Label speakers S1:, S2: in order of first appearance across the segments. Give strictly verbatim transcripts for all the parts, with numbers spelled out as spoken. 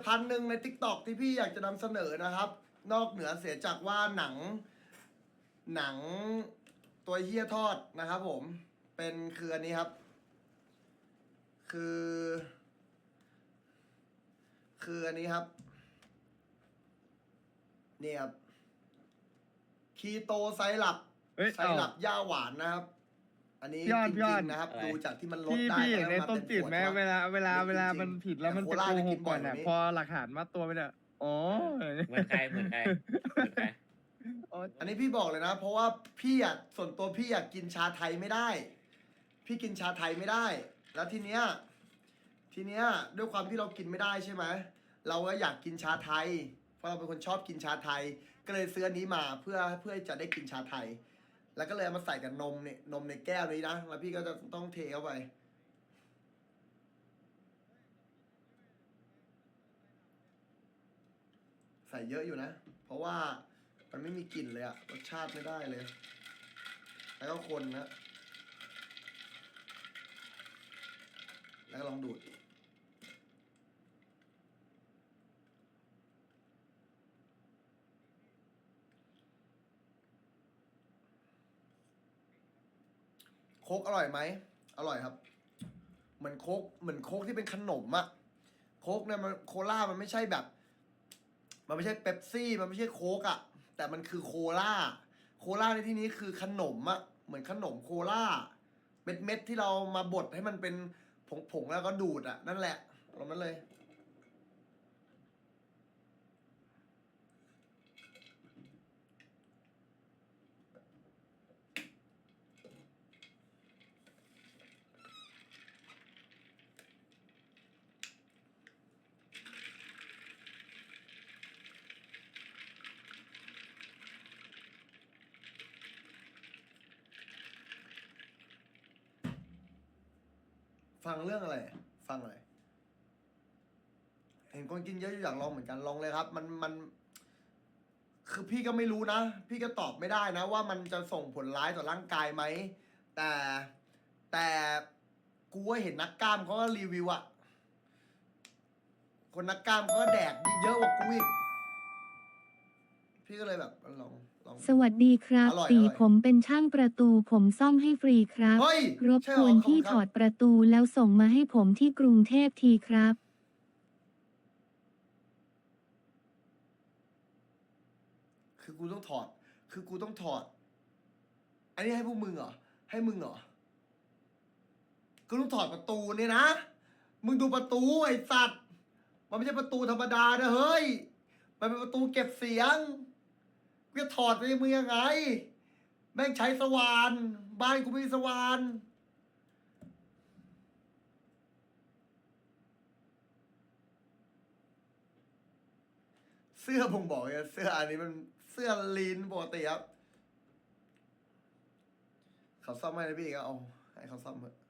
S1: ภัณฑ์หนึ่งใน ทิกตอก ที่พี่อยากจะนำเสนอนะครับ นอกเหนือเสียจากว่าหนัง หนังตัวเฮียทอดนะครับผมเป็นคืออันนี้ครับ คือ คืออันนี้ครับนี่ครับคีโตไซรัป
S2: เฮ้ย
S1: ไซรัปย่าหวานนะครับ อันนี้
S2: ยอด
S1: จ
S2: ย
S1: ริ
S2: อง ด
S1: ๆนะครับ
S3: อะไร
S1: ดูจากที่มันลด
S2: พี่
S1: ได้
S2: พี่เห็นใน
S1: แล้ว
S2: ต้มจืดไหมเวลาเวลาเวลามันผิดแล้วมันจะโกหกก่อนอ่ะพอหลักฐานมัดตัวไปเนี่ยอ๋อ
S3: เหมือนใครเหมือนใครเหมือนใคร
S1: อันนี้พี่บอกเลยนะ เพราะว่าพี่อ่ะส่วนตัวพี่อยากกินชาไทยไม่ได้ พี่กินชาไทยไม่ได้ แล้วทีเนี้ยทีเนี้ยด้วยความที่เรากินไม่ได้ใช่ไหมเราก็อยากกินชาไทย เพราะเราเป็นคนชอบกินชาไทย ก็เลยซื้ออันนี้มาเพื่อเพื่อจะได้กินชาไทย แล้วก็เลยเอามาใส่กับนมเนี่ยนมในแก้วนี้นะแล้วพี่ก็จะต้องเทเข้าไปใส่เยอะอยู่นะ เพราะว่ามันไม่มีกลิ่นเลยอะรสชาติไม่ได้เลย แล้วก็คนนะ แล้วก็ลองดูดโค้กอร่อยไหมอร่อยครับ เหมือนโค้กเหมือนโค้กที่เป็นขนมอะโค้กเนี่ยมันโคล่ามันไม่ใช่แบบ มันไม่ใช่เป๊ปซี่มันไม่ใช่โค้กอะแต่มันคือโคล่าโคล่าในที่นี้คือขนมอะเหมือนขนมโคล่าเม็ดเม็ดที่เรามาบดให้มันเป็นผงๆแล้วก็ดูดอะนั่นแหละลงนั้นเลยฟังเรื่องอะไรฟังอะไรเห็นคนกินเยอะอยู่อยากลองเหมือนกันลองเลยครับ มันมัน คือพี่ก็ไม่รู้นะ พี่ก็ตอบไม่ได้นะ ว่ามันจะส่งผลร้ายต่อร่างกายไหมแต่แต่กูว่าเห็นนักกล้ามเขาก็รีวิวอะคนนักกล้ามเขาก็แดกเยอะกว่ากูอีกพี่ก็เลยแบบลองลอง
S4: สวัสดีครับ
S1: อร่อย
S4: ตี
S1: อร่อย
S4: ผมเป็นช่างประตูผมซ่อมให้ฟรีครับ
S1: เฮ้ย
S4: รบ
S1: ใช่
S4: ก
S1: เหรอ
S4: วน
S1: ขอบคุณ
S4: พี่
S1: ครับ
S4: ถอดประตูแล้วส่งมาให้ผมที่กรุงเทพทีครับ
S1: คือกูต้องถอด คือกูต้องถอด อันนี้ให้พวกมึงเหรอ ให้มึงเหรอ กูต้องถอดประตูเนี่ยนะ มึงดูประตูไอ้สัตว์ มันไม่ใช่ประตูธรรมดานะเฮ้ย มันเป็นประตูเก็บเสียง กูจะถอดไปมึงยังไง แม่งใช้สว่าน บ้านกูไม่มีสว่าน เสื้อผมบอกเลยเสื้ออันนี้มันเสื้อลีนปกติครับ เขาซ่อมให้นะพี่ก็เอาให้เขาซ่อมเถอะ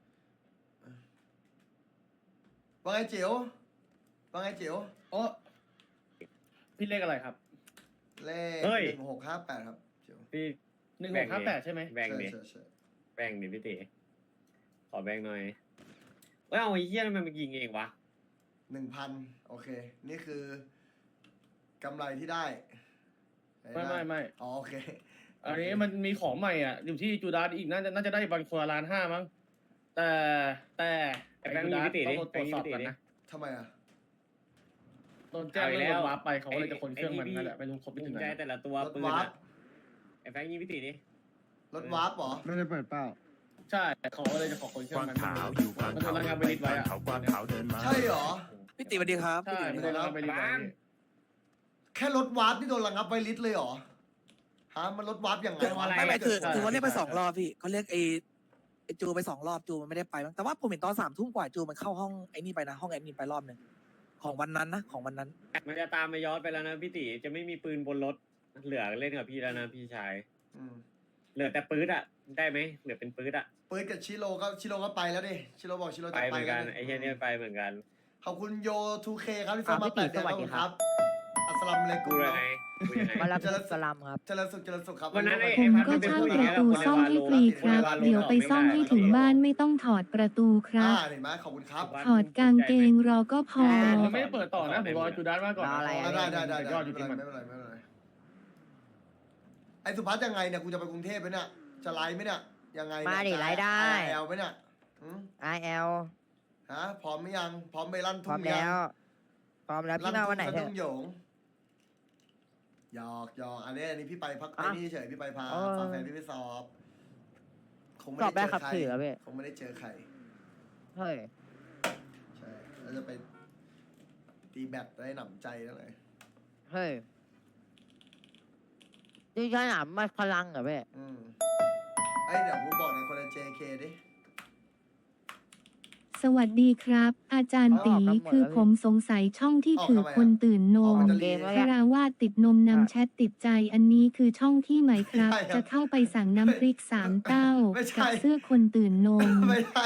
S1: ว่าไงจิ๋วว่าไงจิ๋ว
S2: โอ้พี่เลขอะไรครับ
S1: เลข
S3: เฮ้ย
S1: หนึ่งหกห้าแปดครับจิ๋ว
S3: พี่
S2: หนึ่งหกห้าแปดใช่ไหม
S3: แบ่งดิ
S1: ใช่ใช่
S3: แบ่งดิพี่ตีขอแบ่งหน่อยเอ้ยเอาไอ้เหี้ยทำไมมันยิงเองวะ
S1: หนึ่งพันโอเค นี่คือกำไรที่ได้
S2: ไม่ไม่ไม่
S1: อ๋อโอเค
S2: อันนี้มันมีของใหม่อ่ะ อยู่ที่จูดาสอีกน่าจะน่าจะได้บันคนละล้านห้ามั้งแต่แต่
S3: ไอ้แบงค์
S2: จู
S3: ยิง
S2: ดาส
S3: พี่ตี
S2: ต้
S3: ดิ
S2: องตรวจสอบก่อนนะ
S1: ทำไมอ่ะ
S2: โดนแจ้ง
S3: เอาอีก
S2: เรื่อง
S3: แล้ว
S2: รถวาร์ปไปเขาก็เลยจะคนเครื่องมัน
S3: ไอ้นี่
S2: นั่นแหละไม่รู้ครบไป
S3: ภู
S2: ถึง
S3: มิ
S2: ไหน
S3: ใจแต่ละตัว
S1: รถ
S3: ปืน
S1: วาร์ป
S3: อะไอ้แบงค์ยิงพี่ตีดิ
S1: รถวาร์ปเหรอ
S5: ไม่ได้เปิดเป้า
S2: ใช่เขาก็เลยจะขอคนเครื่
S6: ก
S2: อง
S6: วาง
S2: มัน
S6: ขาวอยู่กลาง
S2: มันโด
S6: เขา
S2: นระงับไปลิดไว้อะ
S6: เขากวางขาวเดินมา
S1: ใช่เหรอ
S7: พี่ติสวัสดีครับ
S2: ใช่มันโดนระงับไปลิดไว้
S1: แค่รถวาร์ปที่โดนระงับไวลิสเลยเหรอ ฮะ มันรถวาร์ปยังไงวะ
S7: ไม่ไม่คือ
S2: ใช่
S7: คือเขาเรียกไป
S2: ใช่
S7: สองรอบพี่เขาเรียกไอ้ไอ้จูไปสองรอบจูมันไม่ได้ไปมั้งแต่ว่าผมเห็นตอนสามทุ่มกว่าจูมันเข้าห้องไอ้นี่ไปนะห้องแอดมินไปรอบหนึ่งของวันนั้นนะของวันนั้น
S3: มันจะตามมาย้อนไปแล้วนะพี่ตีจะไม่มีปืนบนรถเหลือเล่นกับพี่แล้วนะพี่ชาย
S1: อืม
S3: เหลือแต่ปืนอะได้ไหมเหลือเป็นปืนอะ
S1: ปืนกับชิโร่ก็ชิโร่ก็ไปแล้วดิ ชิโร่บอกชิโร่
S3: ไป
S1: จะ
S3: เห
S1: ไป
S3: มือน
S1: แล้
S3: กั
S1: วน ดิ
S3: ไอ้เหี้ยเนี่ยไปเหมือนกัน
S1: ขอบคุณโย ทูเค ครับที่ส่งมา
S7: อ่ะพี่
S1: แปด
S7: ติ๋
S1: เดือน
S7: สวัสดี
S1: ครับ อัสสลามุอะลัยกุ
S3: กู
S1: ม
S3: เลยไงคุยยังไง
S5: มารับกะลำครับ
S1: เจริญสุขเจริญสุขครับ
S3: วันนั้นไอ้
S4: ผมก็เช่าประตูซ่อมให้ฟรีครับ เดี๋ยวไปซ่อมให้ถึงบ้านไม่ต้องถอดประตูครั
S1: อ่า
S4: บ
S1: เห็นไหมขอบคุณครับ
S4: ถอดกางเกงรอก็พอ
S2: ผมไม่ได้เปิดต่อนะผมรอจูดาสมาก่อน
S5: รออะไรอะ
S1: ได้ได้ได้
S2: ย
S1: ได้
S2: อดจ
S1: ไม่
S2: ริง
S1: เป็น
S2: ๆ
S1: ไร
S2: มัน
S1: ไม่เป็นไรไม่เป็นไรไอ้สุพัฒน์ยังไงเนี่ยกูจะไปกรุงเทพไหมเนี่ยจะไลฟ์ไหมเนี่ยยังไงเนี่ย
S5: มาดิ
S1: จะ
S5: ไลฟ์ได้
S1: แอลไหมเนี่ยหืม
S5: ไอแอล
S1: ฮะพร้อมไหมยังพร้อมไปลั่น
S5: พร้
S1: ทุ่
S5: อม
S1: งยั
S5: แล้
S1: ง
S5: ว พร้อมแล้วพี่มาวันไหน
S1: ลั่
S5: เถ
S1: ทุ่งสะ
S5: อะ
S1: ดุ้งโหยงหยอกหยอกอันนี้อันนี้พี่ไปพัก
S5: อ่ะ
S1: ไอ้นี่เฉยพี่ไปพา
S5: เออ
S1: พาแฟนพี่ไปสอบคงไม่
S5: สอบได้
S1: ได้เจอ
S5: ขับ
S1: ใคร
S5: ขี่เหรอพี่
S1: คงไม่ได้เจอใคร
S5: เฮ้ย
S1: ใช่แล้วจะไปตีแบตได้หนำใจแล้วไง
S5: เฮ้ยนี่ใช่หนามมาพลังเหรอพี่
S1: อืมไอ้ยเดี๋ยวกูบอกในคนใน เจ เค ดิ
S4: สวัสดีครับ อาจารย์ตีคือผมสงสัยช่องที่ถือคนตื่นน
S1: ออก
S4: ม
S1: มันจะ
S5: เก
S1: รี
S5: มแล้ว
S4: คาราวาสติดนมนำแชทติดใจอันนี้คือช่องที่ไหมครับ
S1: ใช่ครับ
S4: จะเข้าไปสั่งน้ำพริกสามเต้า
S1: ไม่ใช่
S4: กับเสื้อคนตื่นนม
S1: ไม่ได้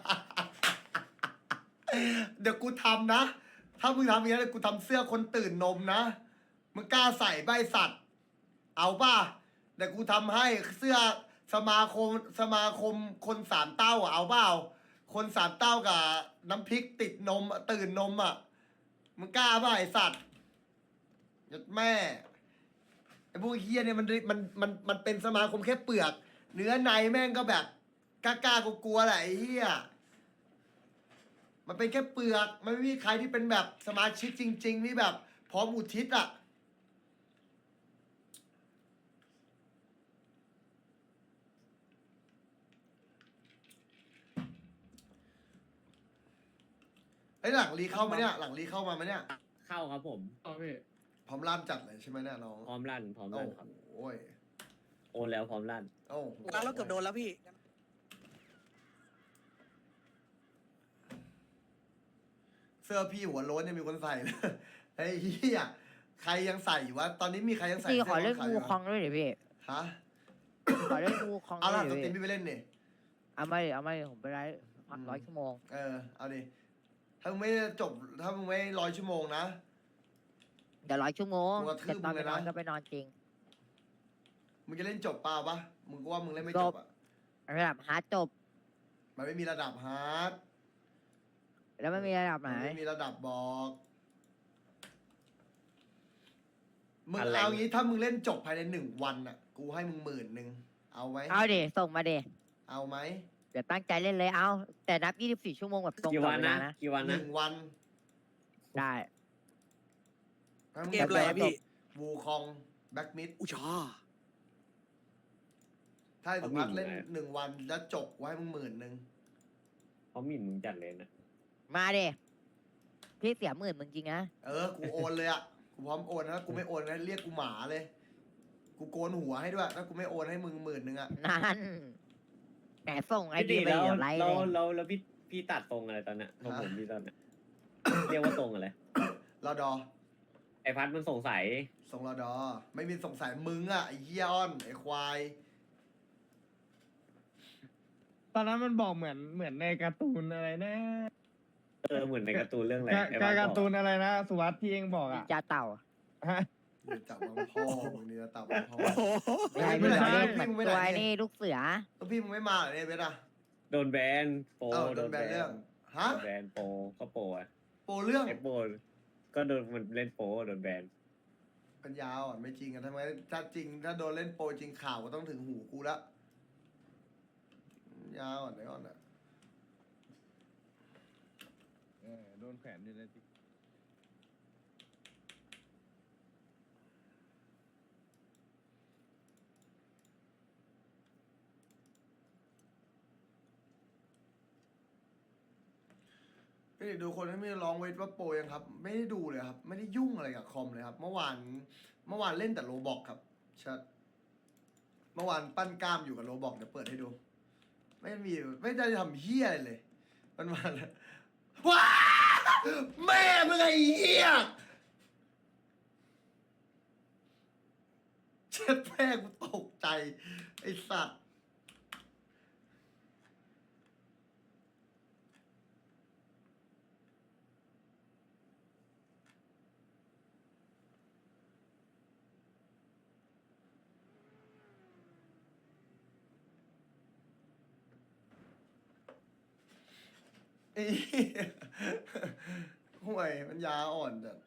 S1: เดี๋ยวกูทำนะ ถ้ามึงทำอย่างนี้นเดี๋ยวกูทำเสื้อคนตื่นนมนะ มึงกล้าใส่ใบสัตว์ เอาป่ะ เดี๋ยวกูทำให้เสื้อสมาคมสมาคมคนสามเต้าอ่ะเอาเปล่า คนสามเต้ากับน้ำพริกติดนมอะตื่นนมอ่ะ มึงกล้าป่ะไอสัตว์ยัดแม่ไอพวกเฮียเนี่ยมันมันมันมันเป็นสมาคมแค่เปลือก เนื้อในแม่งก็แบบกล้าๆกลัวๆแหละไอ้เฮียมันเป็นแค่เปลือก มันไม่มีใครที่เป็นแบบสมาชิกจริงๆที่แบบพร้อมอุทิศอ่ะ ไอ้ยหลังรีเข้ามาเนี่ย หลังรีเข้ามาไหมเนี่ย
S3: เข้าครับผม
S2: อ๋อพี่
S1: พร้อมลั่นจัดเลยใช่ไหมเนี่ยน้อง
S3: พร้อมลั่นพร้อม
S1: โอ้
S3: ลั่นครับ
S1: โหย
S3: โอนแล้วพร้อมลั่น
S1: โอ้โห
S7: แล้วเราเกือบโดนแล้วพี่
S1: เสื้อพี่หัวโล้นยังมีคนใส่เลย ไอ้เหี้ยใครยังใส่อยู่วะ ตอนนี้มีใครยังใส่
S5: พี่
S1: สื้
S5: ขอเล่น
S1: ขาว
S5: งู
S1: ยู่
S5: คองด้วยดิพี่
S1: ฮะ
S5: ขอเล่นงูคอง
S1: เอา
S5: ด้ว
S1: ล่ะ
S5: ย
S1: ส
S5: ดิ
S1: ตรีม
S5: พี่
S1: พี่ไปเล่นนี่
S5: เอามาดิเอามาดิผมไปไลฟ์พักร้อยชั่วโมง
S1: เออ เอาดิ ถ้ามึงไม่จบ ถ้ามึงไม่ร้อยชั่วโมงนะ
S5: เดี๋ยวร้อยชั่วโมง
S1: กูกระทื
S5: แต่
S1: บ
S5: ตอน
S1: มึ
S5: ไป
S1: งเลย
S5: นอน
S1: นะ
S5: ก็ไปนอนจริง
S1: มึงจะเล่นจบเปล่าปะมึงก็ว่ามึงเล่นไม่จบอ่ะ
S5: ระดับฮาร์ดจบ
S1: มันไม่มีระดับฮาร์ด
S5: แล้วไม่มีระดับไหน
S1: มันไม่มีระดับบอก มึง
S3: อะไร
S1: เอางี้ถ้ามึงเล่นจบภายในหนึ่งวันอ่ะ กูให้มึงหมื่นหนึ่ง เอาไหม
S5: เอาดิส่งมาดิ
S1: เอาไหม
S5: เดี๋ยวตั้งใจเล่นเลยเอา แต่นับยี่สิบสี่ชั่วโมงแบบตรง
S3: กี่
S5: ต่อ
S3: วัน
S5: เว
S3: นะ
S5: ลานะ
S3: กี่วัน
S1: ห
S3: นะ
S1: นึ่งวัน
S5: ได้
S1: ถ้ามึง
S7: เกมอะไรอะพี่
S1: วูคองแบ็กมิด
S7: อุยชา
S1: ถ้าสุพัฒน์เล่นหนึ่งวันแล้วจบไว้มึงหมื่นหนึ่ง
S3: เขาหมิ่นมึงจัดเลยนะ
S5: มาดิพี่เสียหมื่นมึงจริงนะ
S1: เออ กูโอนเลยอ่ะ กูพร้อมโอนนะกูไม่โอนนะเรียกกูหมาเลย กูโกนหัวให้ด้วยถ้ากูไม่โอนให้มึงหมื่นหนึ่งอ่ะ
S5: นั่นแหมส่งไอ
S3: พี่
S5: ดี
S3: ตี
S5: ไป
S3: แล้ว
S5: เดี๋ยวไลฟ์
S3: เรา
S5: เลย
S3: เราแล้วพี่พี่ตัดตรงอะไรตอนเนี้ยของผมพี่ตอนเนี้ย เรียกว่าตรงอะไร
S1: รอดอ
S3: ไอพัดมันสงสัย
S1: ส่งรอดอ ไม่มีสงสัยมึงอ่ะไอ้เหี้ยอ้อนไอ้ควาย
S6: ตอนนั้นมันบอกเหมือนเหมือนในการ์ตูนอะไรนะ
S3: เออเหมือนในการ์ตูนเรื่องอะไร
S6: กา
S3: ไอ้พัด
S6: การ์
S3: บอ
S6: ตู
S3: ก
S6: นอะไรนะ สุวัสด์ที่เองบอก
S5: นิ
S6: อ่ะ
S5: นจาเต่า
S6: ฮะ
S1: เดี๋ยวจับมังพ่อมึงนี่จะจับมังพ่อ
S5: ไม่ใช่
S1: ไม่
S5: พี่
S1: ใช่
S5: เราเล่นเหมือน
S1: พี่มึงไม่
S5: ตัว
S1: ได้
S5: ไอ้นี่ลูกเสือ
S1: แล้วพี่มึงไม่มาเหรอเนี่ยเบสอ่ะ
S3: โดนแบนโปร
S1: เออโดนแบนเรื่อง ฮะ
S3: โดนแบนโปรก็โปรอะ
S1: โปรเรื่อง
S3: ไอโปรก็โดนมันเล่นโปรโดนแบน
S1: ปัญญาอ่อนไม่จริงอ่ะทำไมถ้าจริง ถ้าโดนเล่นโปรจริงข่าวก็ต้องถึงหูกูละปัญญาอ่อนไหนอ่อนอ่ะ
S6: เออโดนแขวนอยู่ในติ๊ก
S1: พี่ดูคนที่ไม่ร้องเวทว่าโปรยังครับ ไม่ได้ดูเลยครับ ไม่ได้ยุ่งอะไรกับคอมเลยครับ เมื่อวานเมื่อวานเล่นแต่โรบอกครับชัดเมื่อวานปั้นกล้ามอยู่กับโรบอกเดี๋ยวเปิดให้ดู ไม่มีไม่ได้ทำเฮี้ยอะไรเลยมันมาแล้วว้าแม่มึงไอ้เฮี้ยเช็ดแม่กูตกใจไอ้สัตว์ไอ้เหี้ยห่วยมันยาอ่อนจัด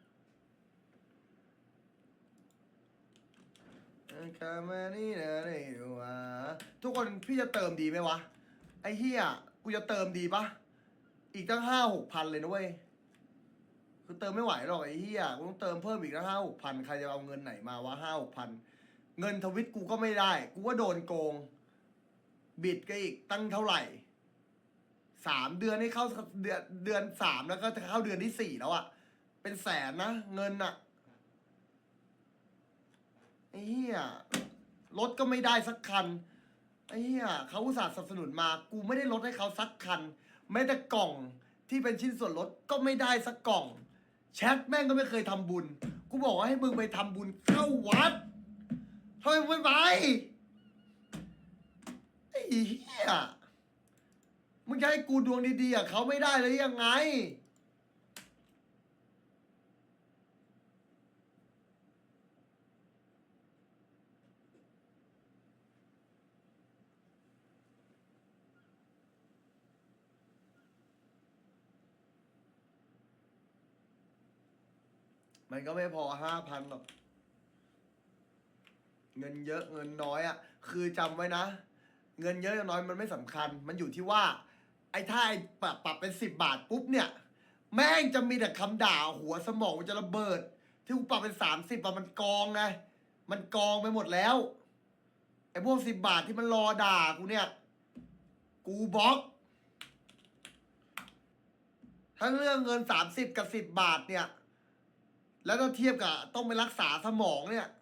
S1: คามานี่นะนี่ดูวะทุกคนพี่จะเติมดีไหมวะ ไอ้เหี้ยกูจะเติมดีปะอีกตั้งห้าหกพันเลยนะเว้ยคือเติมไม่ไหวหรอกไอ้เหี้ยกูต้องเติมเพิ่มอีกตั้งห้าหกพันใครจะเอาเงินไหนมาวะห้าหกพันเงินทวิตกูก็ไม่ได้ กูว่าโดนโกง บิดก็อีกตั้งเท่าไหร่สามเดือนให้เข้าเดือนเดือนสามแล้วก็จะเข้าเดือนที่สี่แล้วอะเป็นแสนนะเงินอะไอ้เหี้ยรถก็ไม่ได้สักคันไอ้เหี้ยเขาอุตส่าห์สนับสนุนมา กูไม่ได้ลดให้เขาสักคันแม้แต่กล่องที่เป็นชิ้นส่วนลดก็ไม่ได้สักกล่องแชทแม่งก็ไม่เคยทำบุญ กูบอกว่าให้มึงไปทำบุญเข้าวัดทำไมมึงไม่ไปไอ้เหี้ยมึงจะให้กูดวงดีๆอ่ะเขาไม่ได้เลยยังไงมันก็ไม่พอห้าพันหรอกเงินเยอะเงินน้อยอ่ะคือจำไว้นะเงินเยอะน้อยมันไม่สำคัญมันอยู่ที่ว่าไอ้ถ้าไอ้ปรับปรับเป็นสิบบาทปุ๊บเนี่ยแม่งจะมีแต่คำด่าหัวสมองมันจะระเบิดที่กูปรับเป็นสามสิบอะมันกองไงมันกองไปหมดแล้วไอ้พวกสิบบาทที่มันรอด่ากูเนี่ยกูบล็อกทั้งเรื่องเงินสามสิบกับสิบบาทเนี่ยแล้วถ้าเทียบกับต้องไปรักษาสมองเนี่ย